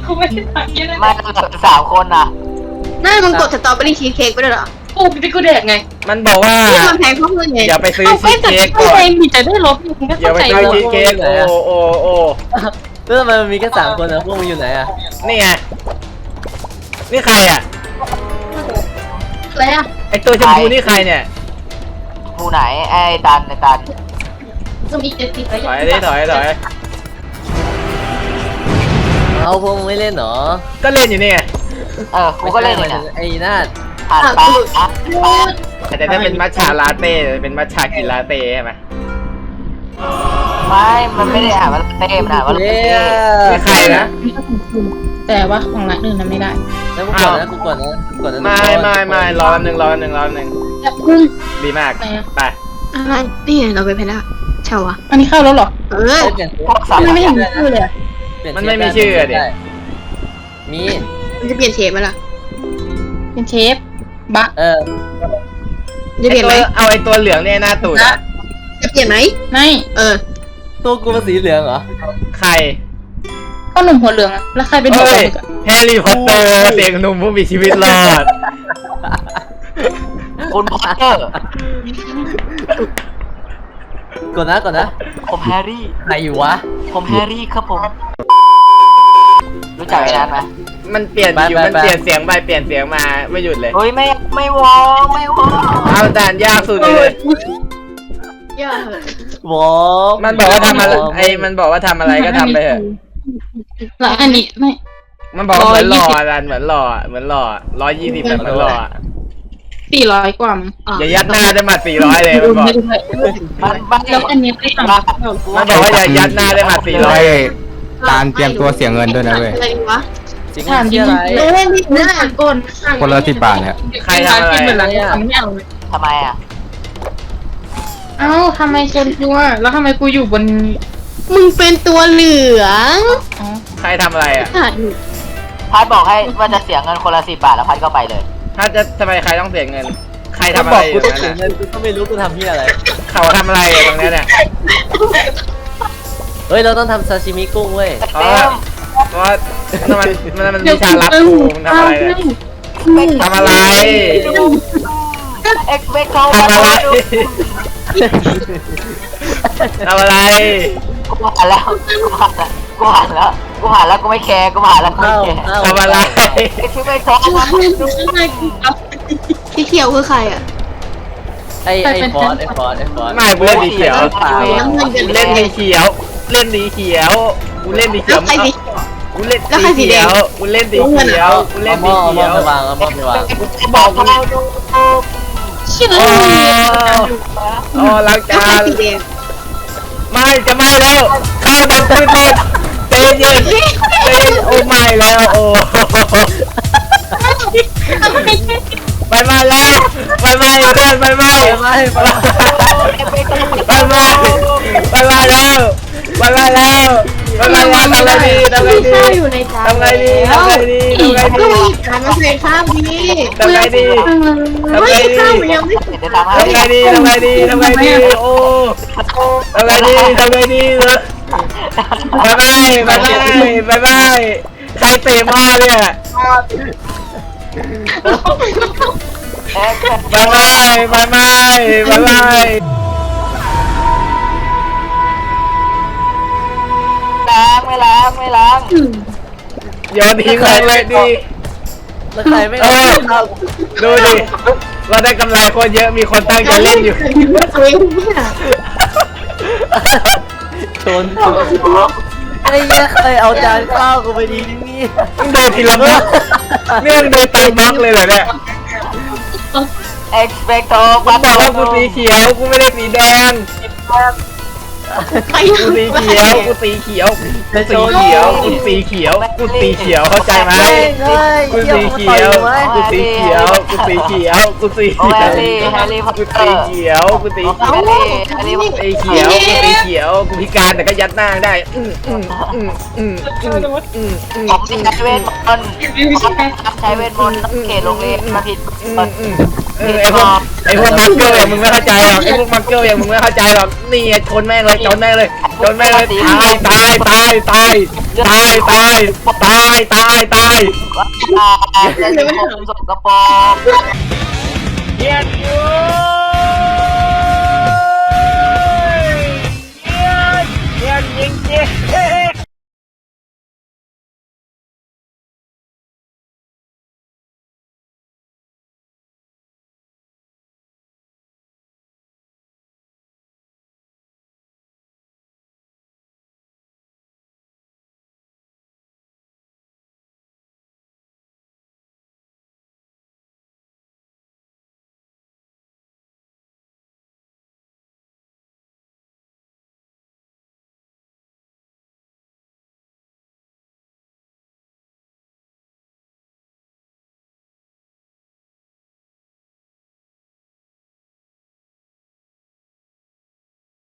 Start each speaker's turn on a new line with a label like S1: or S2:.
S1: กูไม่ได้สั่งแค่นั้น
S2: ไม่3 คนนะ
S3: นั่นมึงกดสตรอเบอรี่ชีสเค้กไปด้วยเหรอ
S1: กูที่กูแดกไง
S4: มันบอกว่า
S3: ที่มันแพงเพราะเงินไง
S4: อย่าไปซื้อ
S1: เอา
S4: ชี
S1: ไม่
S4: ส
S1: แต่
S4: เค้ก
S1: กู
S4: ก่อน
S1: เองมีแต่ได้ลบมึงก็
S4: อย่า
S1: เข้า
S4: ไป
S1: ใจ
S4: ซื้อ
S1: เลย
S4: ชีสเค้กโอ้
S5: แล้วทำไมมันมีแค่3 คนนะพวกมึงอยู่ไหนอ่ะ
S4: นี่ไงนี่ใครอ่ะ
S3: อะไรอ่ะ
S4: ไอตัวชมพูนี่ใครเนี่ย
S2: ผู้ไหนไอ้ตัน
S1: ก็มี70ไป
S4: ถอยดิถอย
S5: เอาพวกมึงไม่เล่นเหรอ
S4: ก็เล่นอยู่นี่ไง
S2: กูก็เล่นอยู่เนี่ย
S5: ไอ้นาด
S2: ผ่านไป
S4: แต่ถ้าเป็นมัทฉาลาเต้เป็นมัทฉากินลาเต้ใช่ไหม
S2: ไม่มันไม่ได้อ่านว่าเต้มันอ่านว่า
S5: เย้
S2: เต้
S4: นี่ใครนะ
S1: แต่ว่าของร้านอื่นนั้นไม่ได้
S5: แล้วกูก่อนนะกูก่อนนะ
S4: ไม่รอแป๊บนึง
S1: แต่คุณ
S4: ดีมาก
S1: ไหนอะ
S4: ไป
S3: อะไรนี่ไงเราไปแพนด้าเช่าอ่ะ
S1: อันนี้เข้าแล้วเหรอ
S3: เออ
S5: เปลี่ยน
S2: พวกสัตว์
S1: มันไม่เห็นชื่อเลยอะ
S4: มันไม่มีชื่อดิ
S5: มี
S3: มันจะเปลี่ยนเชฟไหมล่ะ
S1: เป็นเชฟบะ
S3: จะเปลี่ยนไหม
S4: เอาไอตัวเหลืองเนี่ยหน้าตูดอะ
S3: จะเปลี่ยนไหม
S1: ไม่
S3: เออ
S5: ตัวกูเป็นสีเหลืองเหรอ
S4: ใคร
S1: ก็หนุ่มหัวเหลืองอะแล้วใครเป็นหัว
S4: เฮ้
S1: เหลื
S4: ย
S1: องอะ
S4: แฮร์รี่พอตเตอร์เสียงหนุ่มผู้มีชีวิตรอด
S2: คุณพอตเตอร์
S5: ก่อนนะ
S2: ผมแฮร์รี่
S5: ไหนอยู่วะ
S2: ผมแฮร์รี่ครับผมรู้จักไอ้นั้นไหม
S4: มันเปลี่ยนอยู่
S5: ไป
S4: มันเปลี่ยนเสียงไปเปลี่ยนเสียงมาไม่หยุดเลย
S2: เฮ้ยไม่วอไม่วอ
S4: เอาด่านยากสุดเลย
S3: อย่าเหอะ
S5: วอ
S4: มันบอกว่าทำอะไรมันบอกว่าทำอะไรก็ทำไปเถอะ
S1: แล้วอันนี้ไม่
S4: มันบอกว่าเหมือนหล่อดันเหมือนหล่อ120แบบเหมือนหล่อ
S1: 400 กว่ามั้ง
S4: อย่ายัดหน้าได้หมัด400เลยมันบอก
S1: ไม่ได้ด้วย
S2: มัน
S1: แล้วอันนี้ไปสั่ง
S4: มันบอกว่าอย่ายัดหน้าได้หมัด
S6: ไม่
S4: 400
S6: การเตรียมตัวเสียเงินด้วยนะเว้ย
S3: อะไรวะ
S5: จริงที่อะไร
S3: เล่นที่หน้าก่อน
S6: คนละ10 บาทเนี่ย
S4: ใครทำอะไร
S1: เหมือนร้านทำไม่เอาเลย
S2: ทำไมอ่ะ
S1: เอ้าทำไมคนกูอะแล้วทำไมกูอยู่บน
S3: มึงเป็นตัวเหลือง
S1: อ๋อ
S4: ใครทำอะไรอ่ะ
S3: ขาดอยู่
S2: พัดบอกให้ว่าจะเสียเงินคนละ10 บาทแล้วพัดก็ไปเลย
S4: ถ้าจะทำไมใครต้องเสียเงิน ใคร
S5: ถ้า
S4: ทำอะ
S5: บ
S4: ไร
S5: อก
S4: อ
S5: กู
S4: ยู่
S5: ต้อง
S4: นั่น
S5: เสีย
S4: น่ะ
S5: เงินกูก็ไม่รู้กูทำที่อะไร
S4: เขาทำอะไรอยู่ตรงเนี้ยเนี่ย
S5: เฮ้ยเราต้องทำซาชิมิกุ้งเว้ย
S4: เพราะว่ามันมีชาลับกูมันทำอะไรเนี่ยทำอะไร
S2: เอ็กเบคเขา
S4: ทำอะไรทำอะไร
S2: กูผ่านแล้วกูผ่านแล้วกูไม่แคร์กูผ่านแล้วกูไม่แคร์
S4: ทำอะไร
S2: เอ็กซ์เบคเขามา
S3: สีเขียวคือใครอ่ะ
S5: ไอ้ฟอส
S4: ไม่กูเล่นสีเขียวกูเล่นสีเขียวเล่นสีเขียวกูเล่นสีเขี
S3: แล้
S4: ยว
S3: วใครสี
S4: กูเล่นสีเขียวกูเล่นสีเขียวกูเล่น
S5: เอา
S4: สี
S5: หม้อ
S4: เขียว
S5: ไปวางเอาหม้อไปวาง
S2: บอกเขา
S1: เชื่อ
S4: โอ้ล้าง
S3: แล้ว
S4: จา
S3: ใคร
S4: น
S3: สีแดง
S4: ไม่จะไม่แล้วข้าวดับพื้นหมดเตยเย็นโอ้ไม่แล้วโอ้ไปมาแล้วไปมาเพื่อนไปมา
S5: ไม่
S4: ไปมาไปมาแล้วไปมาแล้วไปมาแล้วทำไงดีทำไงดี
S3: ข้าวอยู่ในจาน
S4: ทำไงดีทำไงดีทำไง
S3: ก็
S4: ดี
S3: มีการมาใส่ข้าวดี
S4: ทำไงดีทำไง
S3: ไม่
S4: ดี
S3: ข้าวมันยังไม่
S2: เดี๋ยวทำให้
S4: ทำไงดีทำไงดีทำไงดีโอ้ทำไงดีทำไงดีบายบายบายบายบายบายใครเตะมาเนี่ย
S2: เอ็กซ์
S4: บายบายบายบายบายบาย
S2: ไม่ล้าง
S4: โยนทิ้งเลยดิ
S5: แล้วใครไม่
S4: เออดูดิเราได้กำไรคนเยอะมีคนตั้งใจเล่นอยู่
S5: ชนไอ้เหี้ยใครเอาจานข้าวกูไปดีนี่
S4: มึงโดนทีละบล็อกเนี่ยมึงโดนตามบล็อกเลยเหรอเนี่ย
S2: เอ็กซ์เบคโต
S4: กูบอกว่ากูสีเขียวกูไม่ได้สีแดง
S3: ใคร
S4: กูสีเขียวกูสีเขียวกูสีเขียวกูสีเขียวกูสีเขียวเข้าใจไหมกูสีเขียวกูสีเขียวกูสีเขียวกูสี
S2: โอ้
S4: เขี
S2: แฮ
S4: ยว
S2: ร์รี่พอต
S4: กู
S2: เตอ
S4: สี
S2: ร์
S4: เขียวกูสีเขียว
S2: แฮร์รี่พอตเตอร์
S4: สีเขียวกูสีเขียวกูพิการแต่ก็ยัดหน้าได้
S2: ผมที่ใช้เวทมนต์ใช้เวทมนต์เขตโรงเรียนมาผิด
S4: ไอ้พวกมักเกิลอย่างมึงไม่เข้าใจหรอกไอ้พวกมักเกิลอย่างมึงไม่เข้าใจหรอกนี่ชนแม่งเลยชนแม่งเลยชนแม่งเลยตายตายตายตายตายตาย
S2: เล่นผมสกปรก
S4: เกียดอยู่